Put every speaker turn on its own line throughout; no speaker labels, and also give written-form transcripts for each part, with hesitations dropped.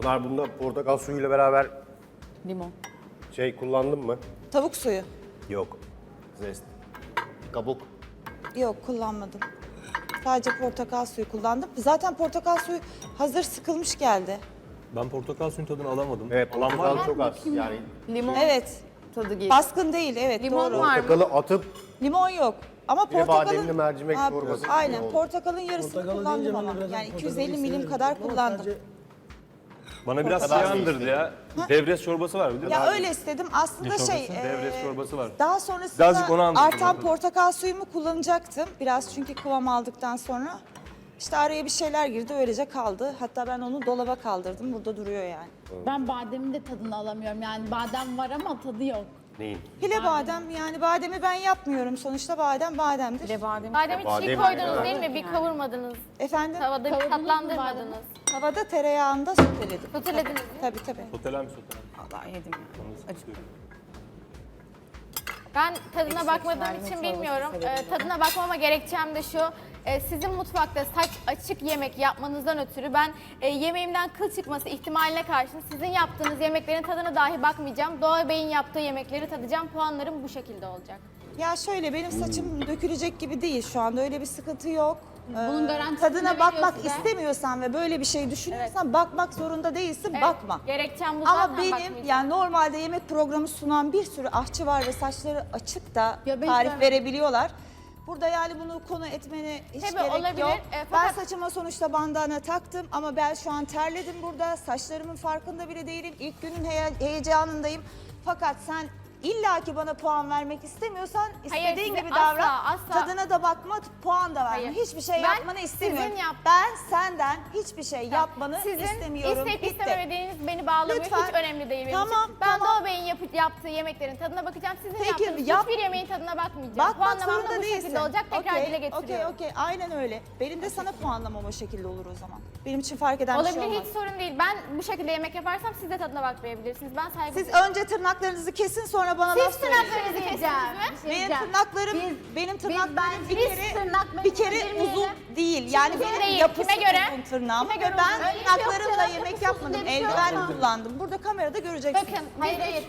Pınar bunda portakal suyuyla beraber
Limon.
şey kullandın mı?
Tavuk suyu.
Yok. Zest. Kabuk.
Yok, kullanmadım. Sadece portakal suyu kullandım. Zaten portakal suyu hazır sıkılmış geldi.
Ben portakal suyun tadını alamadım.
Evet,
Alan var
portakal
mı?
çok az. Yani
Limon
Evet.
tadı geliyor.
Baskın değil, evet
Limon
doğru.
var mı?
portakalı atıp
Limon yok. Ama
Bir de
portakalın...
bademli mercimek çorbası
Aynen,
oldu.
portakalın yarısını
Portakalı
kullandım
deyince ben de
ama.
biraz
Yani
portakalı
250 milim
severim.
kadar
Ama
kullandım.
sadece
Bana biraz
Portakal
şey
suyu
andırdı ya. Devres çorbası var bir de.
Ya öyle istedim. Aslında şey...
Devres çorbası var.
Daha
Birazcık onu
sonrasında
andırdı
artan
bana.
portakal suyumu kullanacaktım. Biraz çünkü kıvam aldıktan sonra. İşte araya bir şeyler girdi, öylece kaldı. Hatta ben onu dolaba kaldırdım. Burada duruyor yani.
Ben bademin de tadını alamıyorum. Yani badem var ama tadı yok.
neyin?
Hile badem, yani bademi ben yapmıyorum. Sonuçta badem bademdir.
Bir de badem.
Bademi çiğ
Badem
koydunuz
yani.
değil mi? Bir kavurmadınız.
Efendim,
Tavada bir
Kavurdunuz mu
tatlandırmadınız.
havada tereyağında soteledim.
Sotelediniz mi?
Tabii tabii.
Soteler mi soteler?
Vallahi yedim ya. Acı.
Ben tadına
Ekşi
bakmadığım
mercimek
için
çorbası
bilmiyorum.
severim ben.
Tadına bakmama gerekçem de şu. Sizin mutfakta saç açık yemek yapmanızdan ötürü ben yemeğimden kıl çıkması ihtimaline karşın sizin yaptığınız yemeklerin tadına dahi bakmayacağım. Doğa Bey'in yaptığı yemekleri tadacağım. Puanlarım bu şekilde olacak.
Ya şöyle, benim saçım dökülecek gibi değil şu anda, öyle bir sıkıntı yok.
Bunun garantisini
Tadına
veriyor
bakmak
size.
istemiyorsan ve böyle bir şey düşünüyorsan bakmak zorunda değilsin,
Evet,
bakma.
Gerekçem bu
Ama
zaten
benim
bakmayacağım.
yani normalde yemek programı sunan bir sürü aşçı var ve saçları açık da
Ya ben
tarif
istemem.
verebiliyorlar. Burada yani bunu konu etmene hiç
Tabii
gerek
olabilir.
yok.
Ben
Ben saçıma sonuçta bandana taktım ama ben şu an terledim burada. Saçlarımın farkında bile değilim. İlk günün heyecanındayım. Fakat sen illaki bana puan vermek istemiyorsan istediğin
size
gibi
asla,
davran.
asla.
Tadına da bakma, puan da verme.
Hayır.
Hiçbir şey
Ben
yapmanı istemiyorum.
sizin
Ben senden hiçbir şey yapmanı
Sizin
istemiyorum.
isteyip
Bitti.
istememediğiniz beni bağlamıyor.
Lütfen.
Hiç önemli değil benim
Tamam,
için. Ben
tamam.
Doğa Bey'in yaptığı yemeklerin tadına bakacağım. Sizin
Peki,
yaptığınız
yap.
hiçbir yemeğin tadına bakmayacağım.
Bakmak
Puanlamam da
zorunda
bu
değilsin.
şekilde olacak. Tekrar
Okey,
dile getiriyorum.
Okey, aynen öyle. Benim de sana puanlamam o şekilde olur o zaman. Benim için fark eden bir
Olabilir,
şey olmaz.
hiç sorun değil. Ben bu şekilde yemek yaparsam siz de tadına bakmayabilirsiniz. Ben saygı
Siz
duyuyorum.
önce tırnaklarınızı kesin, sonra bana laf
Siz
söyleyin.
tırnaklarınızı kestiniz mi?
Benim tırnaklarım, benim tırnaklarım bir kere uzun değil. Yani
Uzun
benim
değil.
yapısı
Kime göre?
uzun tırnağım.
Kime
Ve
göre
ben
uzun? Öyle bir şey yok
tırnaklarımla
canım.
yemek
Yapısız
yapmadım.
diye bir şey yok
Eldiven
ama.
kullandım. Burada kamerada göreceksiniz.
Bakın,
Hayır hayır.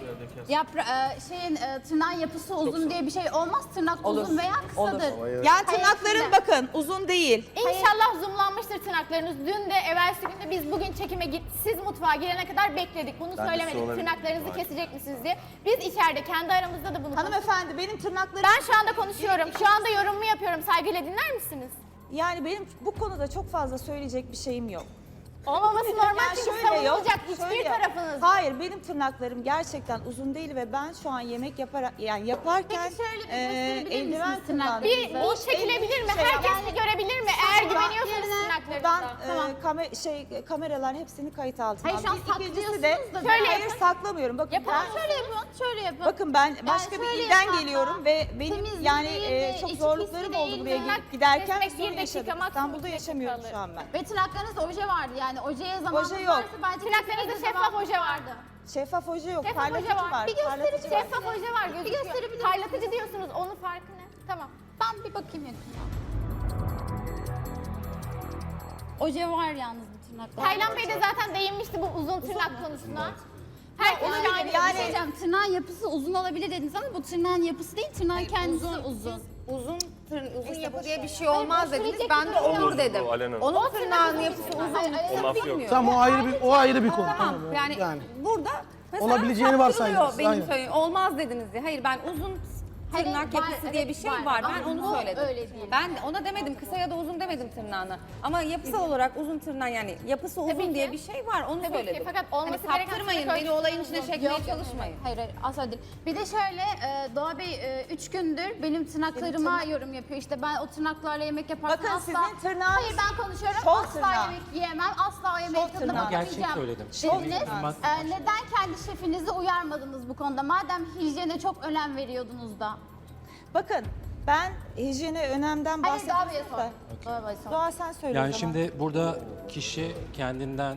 Tırnağın yapısı uzun diye bir şey olmaz. Tırnak
Olur.
uzun veya kısadır.
Yani tırnaklarım bakın uzun değil.
İnşallah zoomlanmıştır tırnaklarınız. Dün de evvelsi günde biz bugün çekime siz mutfağa girene kadar bekledik. Bunu söylemedik.
olabilir.
Tırnaklarınızı kesecek misiniz diye. Biz içeride kendi aramızda da bunu konuştuk.
Hanımefendi, benim tırnaklarım...
Ben şu anda konuşuyorum. Şu anda yorumumu yapıyorum. Saygıyla dinler misiniz?
Yani benim bu konuda çok fazla söyleyecek bir şeyim yok.
Olmaması normal
Yani
çünkü
şöyle yok,
savunulacak hiçbir
şöyle yok.
tarafınız.
Hayır, benim tırnaklarım gerçekten uzun değil ve ben şu an yemek yaparken
Peki şöyle bir gösterebilir
eldiven
misiniz
kullandım.
tırnaklarınızı?
Bir çekilebilir mi?
Şey
Herkes
yapmam.
de görebilir mi? Eğer güveniyorsanız
Buradan
tırnaklarınıza.
kameralar hepsini kayıt altına
Hayır, şu an
aldım. İkincisi de
saklıyorsunuz da
Şöyle
hayır
yapın.
saklamıyorum. Bakın
Yapalım.
ben,
Şöyle yapın, şöyle yapın.
bakın ben başka bir
şöyle
ilden
yapın
geliyorum
hatta.
ve benim
Temizlik
yani
değil,
çok
içi
zorluklarım
pisli
oldu
değil,
buraya
tırnak
gelip giderken
kesmek bir
sorun
dakika,
yaşadım.
maksimum
İstanbul'da
bir dakika
yaşamıyorum
kalır.
şu an ben.
Ve tırnaklarınızda oje vardı yani ojeye zamanınız
Oje yok.
varsa bence
Tırnaklarınızda
kesinlikle
şeffaf
zamanınız
oje vardı.
Şeffaf hoca yok,
Şeffaf
parlatıcı
hoca var.
var.
Bir gösterin,
parlatıcı var.
Şeffaf hoca var gözüküyor.
gösterebilir misiniz?
Parlatıcı diyorsunuz. Onun farkı ne? Tamam.
Ben bir bakayım yakından. Oje var yalnız bu tırnaklarda.
Taylan Bey de zaten değinmişti bu uzun tırnak konusuna. Herkes şahit.
Yani diyeceğim, tırnağın yapısı uzun olabilir dediniz ama bu tırnağın yapısı değil, tırnağın kendisi uzun.
Uzun yapı diye bir şey olmaz dediniz.
sürecek
Ben de
bir durum
olur
yok.
dedim.
Alena.
Onun tırnağının yapısı uzun.
O laf yok.
Bilmiyorum.
Tamam, o ayrı bir konu.
Tamam yani, burada mesela
Olabileceğini varsayıyoruz,
saptırılıyor benim
aynen.
söylediğim. Olmaz dediniz diye. Hayır ben uzun tırnak
Hayır,
yapısı
var,
diye
evet,
bir şey
var.
var. Ben
Ama
onu
bu
söyledim.
öyle değil.
Ben ona demedim kısa ya da uzun demedim tırnağına. Ama yapısal olarak uzun tırnak yani yapısı uzun
Tabii
diye
ki.
bir şey var onu
Tabii ki,
söyledim.
fakat olması
hani
gereken
saptırmayın
tırnak
beni olayın
ölçüsü
içine
uzun.
çekmeye çalışmayın.
Hayır, asla değil. Bir de şöyle, Doğa Bey 3 gündür benim tırnaklarıma yorum yapıyor. İşte ben o tırnaklarla yemek yaparsam
Bakın
asla...
sizin tırnağınız
Hayır ben konuşuyorum,
şov
asla
tırnağı.
yemek yiyemem, asla o yemeğin
Şov
tadına
tırnağı.
bakamayacağım.
Gerçek söyledim.
Dediniz. Neden kendi şefinizi uyarmadınız bu konuda? Madem hijyene çok önem veriyordunuz da.
Bakın ben hijyene önemden
Hayır, Doğa Bey'e
bahsediyorum
sor.
da.
Doğa Bey'e sor.
Doğa sen söyle o
Yani
zaman.
şimdi burada kişi kendinden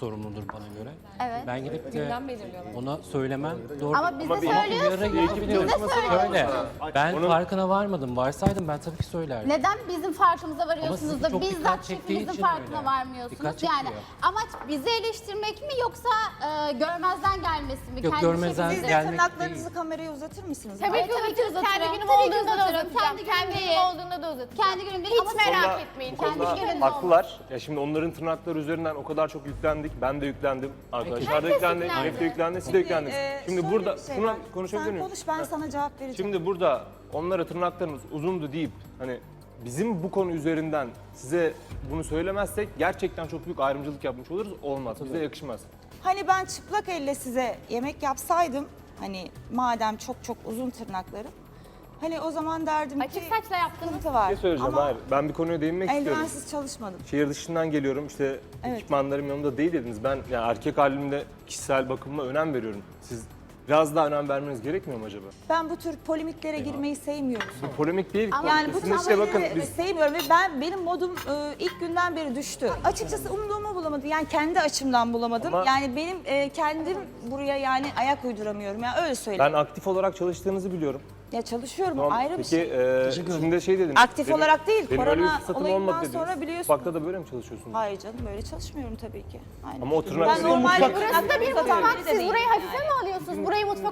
sorumludur bana göre.
Evet.
Ben gidip de
Günden belirliyorlar.
ona söylemem doğru.
Ama bize
bir-
söylüyorsunuz. Bize
Şöyle, ben
Onun-
farkına varmadım. Varsaydım ben tabii ki söylerdim.
Neden bizim farkımıza varıyorsunuz
sizi
da
çok
bizzat
dikkat çektiği
şefinizin
için
farkına
öyle.
varmıyorsunuz?
Dikkat
Yani
çekiyor.
amaç bizi eleştirmek mi yoksa görmezden gelmesi mi?
Yok,
Kendi
görmezden
şefinize-
Siz de
gelmek
tırnaklarınızı kameraya uzatır mısınız?
Tabii ki
Tabii ki
uzatırım. Kendi
uzatırım.
günüm
Tabii ki
olduğunda da
uzatırım.
uzatacağım.
Kendi
Kendi
günüm
günüm
değil.
olduğunda da uzatacağım.
Kendi günüm değil
Hiç
ama
merak
sonra-
etmeyin.
Bu konuda
gününüz
haklılar. Ya şimdi onların tırnakları üzerinden o kadar çok yüklendik. Ben de yüklendim. Arkadaşlar da yüklendi. Elif de yüklendi. Siz de yüklendiniz. Şimdi
şöyle
burada
bir şey
şuna
var.
konuşabilir
Sen
miyim?
konuş, ben sana cevap vereceğim.
Şimdi burada onlara tırnaklarımız uzundu deyip hani bizim bu konu üzerinden size bunu söylemezsek gerçekten çok büyük ayrımcılık yapmış oluruz. Olmaz. Bize yakışmaz.
Hani ben çıplak elle size yemek yapsaydım, hani madem çok uzun tırnaklarım, hani o zaman derdim ki
Açık saçla yaptınız.
sıkıntı var.
Ne söyleyeceğim?
Ama
Hayır. Ben bir konuya değinmek istiyorum.
eldivensiz çalışmadım.
Şehir dışından geliyorum. İşte
Evet.
ekipmanlarım yanımda değil dediniz. Ben yani erkek halimde kişisel bakımıma önem veriyorum. Siz biraz daha önem vermeniz gerekmiyor mu acaba?
Ben bu tür polemiklere girmeyi sevmiyorum.
Bu polemik değil.
Yani bu
Kesinlikle
tür
bakın
şeyleri
biz
sevmiyorum ve benim modum ilk günden beri düştü. Açıkçası umduğumu bulamadım. Yani kendi açımdan bulamadım.
Ama-
Yani benim kendim buraya yani ayak uyduramıyorum. Yani öyle söyleyeyim.
ben aktif olarak çalıştığınızı biliyorum.
Ya çalışıyorum,
Tamam.
ayrı bir
Peki
şey.
şimdi şey dediniz.
Aktif olarak değil,
Benim öyle bir
korona
fırsatım
olayından
olmadı dediniz.
sonra biliyorsunuz.
Mutfakta da böyle mi çalışıyorsunuz?
Hayır canım, böyle çalışmıyorum tabii ki. Aynen.
Ama o tırnak-
Ben normal
Mutfak-
tırnak
Burası bir
satan
mutfak.
biri de
Siz
değilim
burayı
yani.
hafife mi alıyorsunuz? Burayı mutfak